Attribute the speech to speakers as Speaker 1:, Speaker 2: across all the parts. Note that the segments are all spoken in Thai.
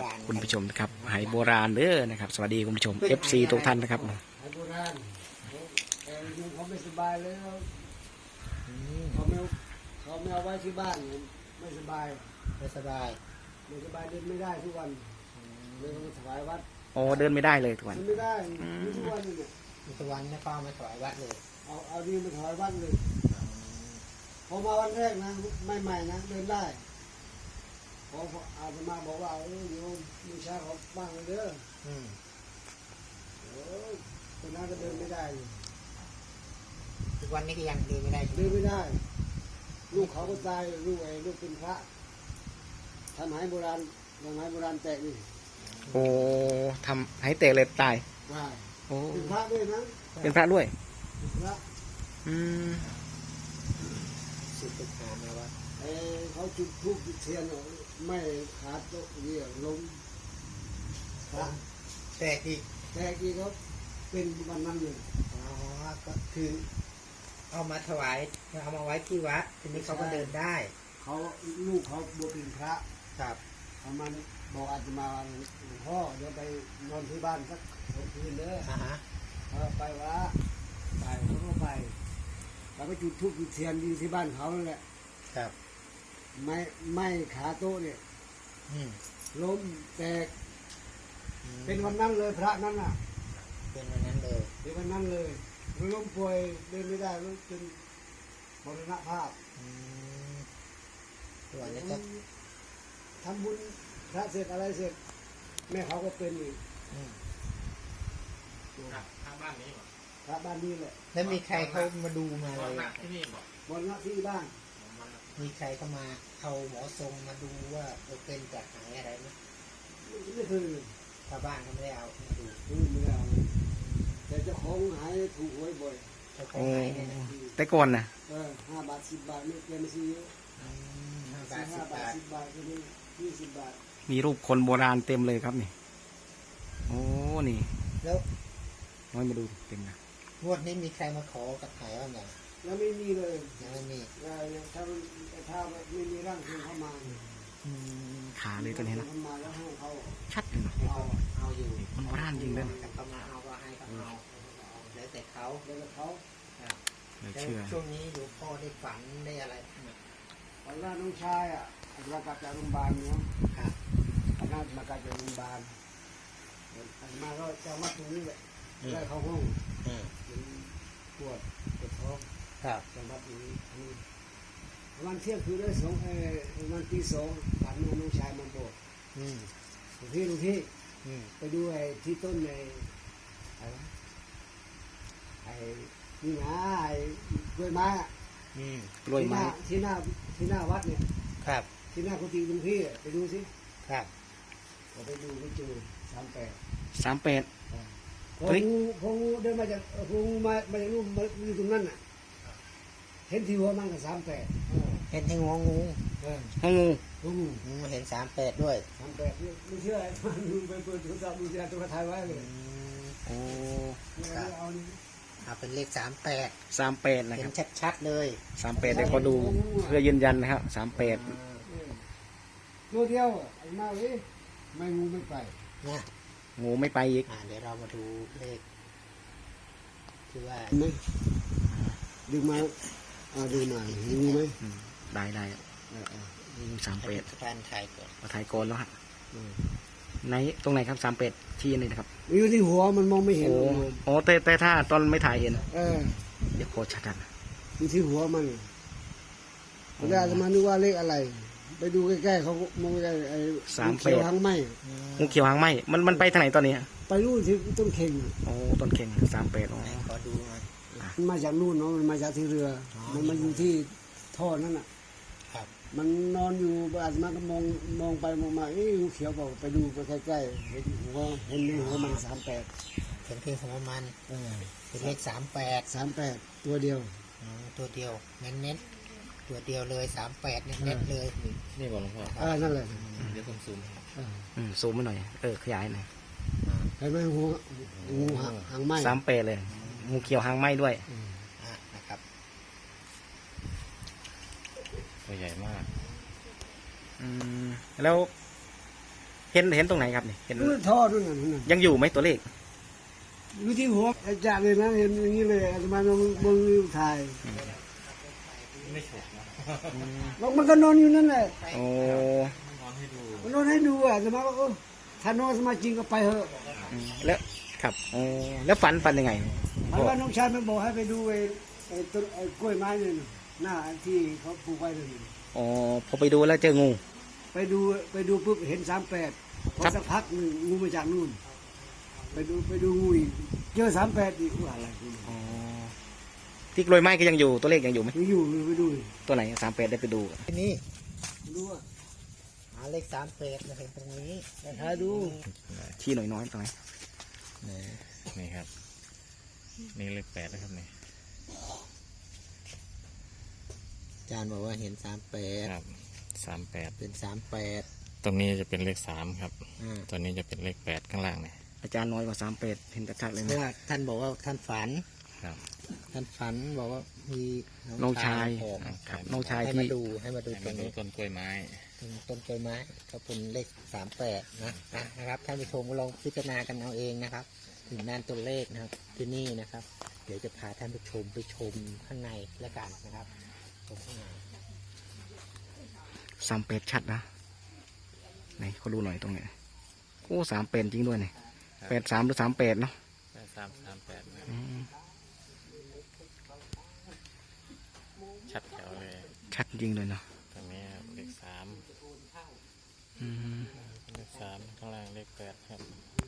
Speaker 1: ครับคุณผู้ชมนะครับไหโบราณเด้อนะครับสวัสดีคุณผู้ชม FC ทุกท่านนะครับ
Speaker 2: ไหโบราณเขาไม่สบายเลยเขาไม่เอาไว้ที่บ้านไม่สบาย
Speaker 3: ไม่สบาย
Speaker 2: เดินไม่ได้ทุกวันเลยต้องถวายวัด
Speaker 1: โอ้เดินไม่ได้เลยทุกวัน
Speaker 2: ไม่ได้ทุกวันเนี่ย
Speaker 3: ทุกวันไม่ป้ามาถวายวัดเลย
Speaker 2: เอาดีมาถวายวัดเลยพอมาวันแรกนะใหม่ๆนะเดินได้พออาตมาบอกว่าโยมมีชาเขาบ้างเลยเด้อตอนนั้นก็เดินไม่ได้
Speaker 3: ทุกวันนี้ก็ยังเดินไม่ได้
Speaker 2: เดินไม่ได้ลูกเขาก็ตายลูกเป็นพระทำไหโบราณไหโบราณแตกนี่
Speaker 1: โอ้ทำให้เตะเลยตายโอ้
Speaker 2: เป็นพระด้วยนะ
Speaker 1: เป็นพระด้วย
Speaker 2: พระ
Speaker 3: สุดตึกหามาว่า
Speaker 2: เขาจุดธูปจุดเทียนไม่ขาดโต๊ะเยี่ยล้มพระ
Speaker 3: แตกอีก
Speaker 2: เขาเป็นวันนั้นเลย
Speaker 3: ก็คือเอามาถวายเอามาไว้ที่วัดทีนี้เขาก็เดินได้
Speaker 2: เขาลูกเขาบวชเป็นพระ
Speaker 3: ครับ
Speaker 2: เขามันบอกอาจจะมาหลวงพ่อเดี๋ยวไปนอนที่บ้านสักคืนเด้อไปวะไปเขาก็ไปแล้วก็จุดธูปจุดเทียนอยู่ที่บ้านเขานั่นแหละ
Speaker 3: ครับ
Speaker 2: ไม่ขาโต๊ะเนี่ยล้มแตกเป็นวันนั้นเลยพระนั้นน่ะ
Speaker 3: เป็นวันนั้นเลย
Speaker 2: เป็นวันนั้นเลยล้มป่วยเดินไม่ได้แล้วจนมรณภาพ
Speaker 3: วันนี้ก็
Speaker 2: ทำบุญพระเสร็จอะไรเสร็จแม่เขาก็เป็นอีก
Speaker 4: ทางบ้านนี้
Speaker 2: พระบ้านนี้แหละ
Speaker 3: แล้วมีใครเขามาดูมาอะไร
Speaker 4: ที่นี่บอก
Speaker 2: บนนักที่บ้าน
Speaker 3: มีใครเข้ามาเอาหมอทรงมาดูว่าเป็นจากไหนอะไรไหม
Speaker 2: ไม่คือ
Speaker 3: ชาวบ้านเขาไม่ได้เอามาดู
Speaker 2: ไม่ได้เอาแต่เจ้าของหายถูกหวยบ่อย
Speaker 1: แต่ก่อนนะ
Speaker 2: 5 บาท 10 บาทไม่เกินซื้อเยอะ5 บาท 10 บาทก็ได้20 บาท
Speaker 1: มีรูปคนโบราณเต็มเลยครับนี่โอ้นี่
Speaker 3: แล้ว
Speaker 1: น้อยมาดูเต็มนะ
Speaker 3: งวดนี้มีใครมาขอกับไถ่บ้างอย่าง
Speaker 2: ยังไม่มีเลย
Speaker 3: ยังไม่มี
Speaker 2: ถ้าไม่มีร่างทรงเข้ามา
Speaker 1: ขาเลยตัวนี้นะชัดเลย
Speaker 3: เอาอยู่
Speaker 1: มันโบราณจริงเลย
Speaker 3: เขามาเอาก็ให้เขาเอาแล้วแต่เขา
Speaker 1: เลยเชื่อ
Speaker 3: ช่วงนี้หลวงพ่อได้ฝันได้อะไร
Speaker 2: ตอนแรกน้องชายมากลับจากโรงพยาบาลเนาะตอนนั้นมากลับจากโรงพยาบาลมาก็จะมาตรงนี้แหละได้เข้าห้องปวดท้องจังหวัดนี้วันเที่ยงคืนได้วันที่2ผ่านมาน้องชายมาบอกลุงพี่ไปดูที่ต้นนี่นะกล้วยไม้
Speaker 1: กล้วยไม้
Speaker 2: ที่หน้าวัดเนี่ย
Speaker 3: ครับ
Speaker 2: ที่หน้ากุฏิลุงพี่ไปดูสิ
Speaker 3: ครับ
Speaker 2: ไปดูไปเจอ
Speaker 1: 38
Speaker 2: พองูเดินมาจากงูมาจากนู่นมาอยู่ตรงนั้นน่ะเห็นที่หัวมันกับ38
Speaker 3: เห็นที่หัวงูเห็น38ด้วย
Speaker 2: 38ไม่เชื่อมันดูไปเปิดโทรศัพท์ดูจะถ่ายไว้เลย
Speaker 1: โอ้
Speaker 3: เอาเป็นเลข
Speaker 1: 38นะ
Speaker 3: เห็
Speaker 1: ครั
Speaker 3: นชัดๆเลย
Speaker 1: 38เดี๋ยวก็ดูเพื่อยืนยันนะครับ38
Speaker 2: ตัวเดียวมาเลยไม่งูไม่ไป
Speaker 3: นะ
Speaker 1: งูไม่ไปอีก
Speaker 3: เดี๋ยวเรามาดูเลขคือว่า
Speaker 2: ดึงมาดูหน่อยงูไหม
Speaker 1: ได้38
Speaker 3: แฟนไทยก่อน
Speaker 1: ไทยก่อนแล้วฮะในตรงไหนครับ38ที่นี่นะครับ
Speaker 2: อยู่ที่หัวมันมองไม่เห็น
Speaker 1: โอ้แต่ถ้าตอนไม่ถ่ายเห็นเดี๋ยวโคชัดนะ
Speaker 2: อยู่ที่หัวมันแล้วจะมาดูว่าเลขอะไรไปดูใกล้ๆเขามองใกล้งูเขียวหางไหม
Speaker 1: งูเขียวหางไหมมันไปทางไหนตอนนี้
Speaker 2: ไปนู่นที่ต้นเข่ง
Speaker 1: โอ้ต้นเข่ง38
Speaker 3: ขอดูหน่อย
Speaker 2: มันมาจากนู่นเนาะมันมาจากที่เรือมันมาอยู่ที่ท่อนั่นน่ะมันนอนอยู่อาจมันก็มองไปมองมางูเขียวบอกไปดูไปใกล้ๆเห็นหัวมัน38
Speaker 3: เห็นเพียงหัวมันเป็นเลข38
Speaker 2: ตัวเดียว
Speaker 3: เน้นตัวเดียวเลย38เน้นเลย
Speaker 4: นี่บอกหลวงพ่อ
Speaker 2: นั่นแหละ
Speaker 4: เดี๋ยวผมซูม
Speaker 1: ซูมมาหน่อยขยายหน่อย
Speaker 2: เห็นไหมงูหางไหม
Speaker 1: 38เลยงูเขียวหางไหมด้วย
Speaker 3: นะครับ
Speaker 4: ตัวใหญ่มาก
Speaker 1: แล้วเห็นตรงไหนครับนี่เห็น
Speaker 2: นู่นท่อนู่นน่ะนู่นน่ะ
Speaker 1: ยังอยู่ไหมตัวเลข
Speaker 2: อยู่ที่หัวอาจารย์เลยนะเห็นอย่างนี้เลยอาตมาลงบนถ่าย
Speaker 4: ไม่ฉกนะ
Speaker 2: มันก็นอนอยู่นั่นแหละ
Speaker 1: โอ้
Speaker 4: นอนให้ดู
Speaker 2: มันนอนให้ดูอาตมาว่าถ้านอนอาตมาจริงก็ไปเถอะ
Speaker 1: แล้วครับโอ้แล้วฝันยังไง
Speaker 2: เพราะว่าน้องชายมันบอกให้ไปดูไอ้ต้นไอ้กล้วยไม้เนี่ยน่ะหน้าที่เขาปลูกไว้เลย
Speaker 1: อ๋อพอไปดูแล้วเจองู
Speaker 2: ไปดูปุ๊บเห็น38พอสักพักหนึ่งงูมาจากนู่นไปดูงูอีกเจอ38อีกว่าอะไรกู
Speaker 1: อ๋อที่กลวยไม้ก็ยังอยู่ตัวเลขยังอยู่ไหม
Speaker 2: ไปอยู่ไปดู
Speaker 1: ตัวไหน38ได้ไปดู
Speaker 3: ทีนี้
Speaker 2: ดูว่า
Speaker 3: หาเลข38มาเห็นตรงนี้
Speaker 2: ไปหาดู
Speaker 1: ที่หน่อยน้อยตรงไหน
Speaker 4: นี่ครับ นี่เลขแปดนะครับนี่
Speaker 3: อาจารย์บอกว่าเห็น
Speaker 4: ครับ38
Speaker 3: 38เป็น38
Speaker 4: ตรงนี้จะเป็นเลข3ครับ
Speaker 3: อ่า
Speaker 4: ตัวนี้จะเป็นเลข8ข้างล่างเนี่ย
Speaker 1: อาจารย์น้อยกว่า38เห็นชัดๆเลย
Speaker 3: เพราะ
Speaker 1: นะ
Speaker 3: ว่าท่านบอกว่าท่านฝัน
Speaker 4: ครับ
Speaker 3: ท่านฝันบอกว่ามี
Speaker 1: น้องชาย
Speaker 3: ออก
Speaker 1: ครับน้องชาย
Speaker 3: ให้
Speaker 1: ที่
Speaker 3: มาดูต
Speaker 4: ให้
Speaker 3: ร
Speaker 4: มาง ดู
Speaker 3: นี้
Speaker 4: ต้นกล้วยไม้
Speaker 3: ตรงต้นกล้วยไม้ก็เป็นเลข38นะครับท่านผู้ชมก็ลองพิจารณากันเอาเองนะครับ ถึงด้านตัวเลขนะครับที่นี่นะครับ เดี๋ยวจะพาท่านผู้ชมไปชมข้างในแล้วกันนะครับชมข้างใน
Speaker 1: 38ชัดนะไหนเขาดูหน่อยตรงไหนโอ้38จริงด้วยเนี่ย83หรือ38เนาะ
Speaker 4: 8338นะ
Speaker 1: อืม
Speaker 4: ชัดแถวเลย
Speaker 1: ชัดจริงเลยเนาะ
Speaker 4: ตรงนี้ครับเลข
Speaker 1: อืม
Speaker 4: 3เลข3ข้างล่างเลข8ครับ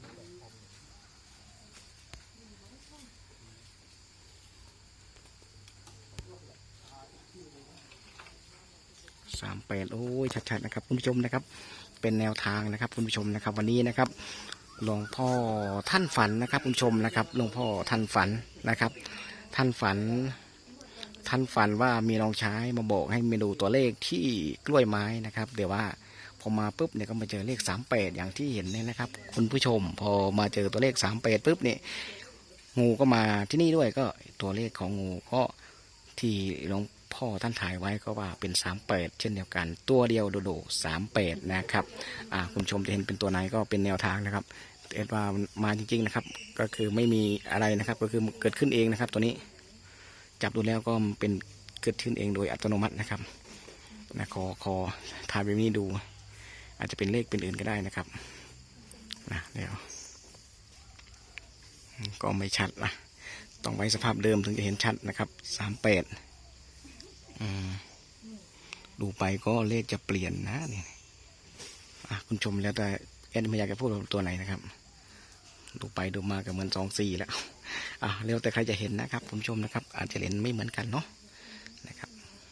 Speaker 1: 38โอ้ยชัดๆนะครับคุณผู้ชมนะครับ เป็นแนวทางนะครับคุณผู้ชมนะครับ วันนี้นะครับหลวงพ่อท่านฝันนะครับคุณผู้ชมนะครับหลวงพ่อท่านฝันนะครับ ท่านฝันว่ามีน้องชายมาบอกให้มาดูตัวเลขที่กล้วยไม้นะครับเดี๋ยวว่าพอมาปุ๊บเนี่ยก็มาเจอเลข38อย่างที่เห็นเนี่ยนะครับ คุณผู้ชมพอมาเจอตัวเลข38ปุ๊บเนี่ยงูก็มาที่นี่ด้วยก็ตัวเลขของงูก็ที่หลวงพ่อท่านถ่ายไว้ก็ว่าเป็น38เช่นเดียวกันตัวเดียวโดด38นะครับคุณผู้ชมจะเห็นเป็นตัวไหนก็เป็นแนวทางนะครับเอ็ดว่ามาจริงๆนะครับก็คือไม่มีอะไรนะครับก็คือเกิดขึ้นเองนะครับตัวนี้ จับดูแล้วก็เป็นเกิดขึ้นเองโดยอัตโนมัตินะครับนะขอถ่ายแบบนี้ดู อาจจะเป็นเลขเป็นอื่นก็ได้นะครับนะเดี๋ยวก็ไม่ชัดนะต้องไว้สภาพเดิมถึงจะเห็นชัดนะครับ38ดูไปก็เลขจะเปลี่ยนนะเนี่ยคุณชมแล้วแต่แอดไม่อยากจะพูดตัวไหนนะครับดูไปดูมาก็เหมือน24แล้วเร็วแต่ใครจะเห็นนะครับคุณผู้ชมนะครับ อาจจะเห็นไม่เหมือนกันเนาะนะครับ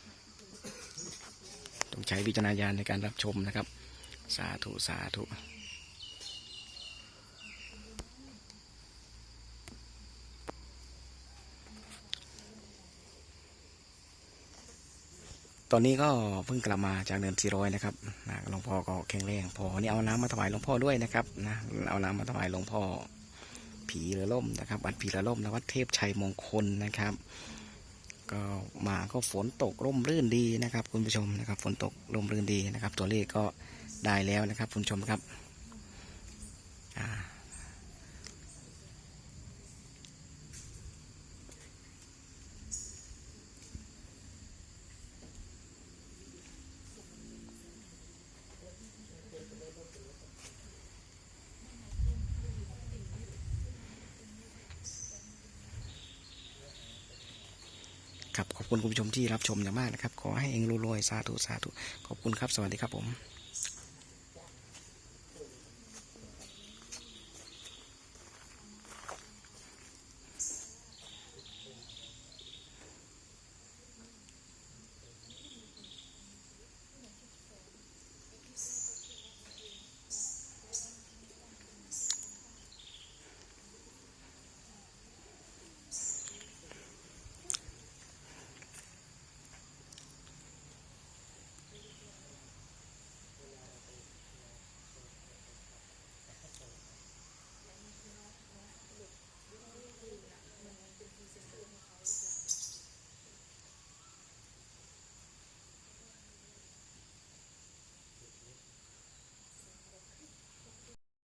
Speaker 1: ต้องใช้วิจารณญาณในการรับชมนะครับสาธุสาธุตอนนี้ก็เพิ่งกลับมาจากเดิน400นะครับหลวงพ่อก็แข็งแรงพอนี่เอาน้ำมาถวายหลวงพ่อด้วยนะครับนะเอาน้ำมาถวายหลวงพ่อผีเรือล่มนะครับวัดผีเรือล่มและวัดเทพชัยมงคลนะครับก็มาก็ฝนตกร่มรื่นดีนะครับคุณผู้ชมนะครับฝนตกร่มรื่นดีนะครับ ตัวเลขก็ได้แล้วนะครับคุณผู้ชมครับครับขอบคุณคุณผู้ชมที่รับชมอย่างมากนะครับขอให้เองรวยๆสาธุสาธุขอบคุณครับสวัสดีครับผม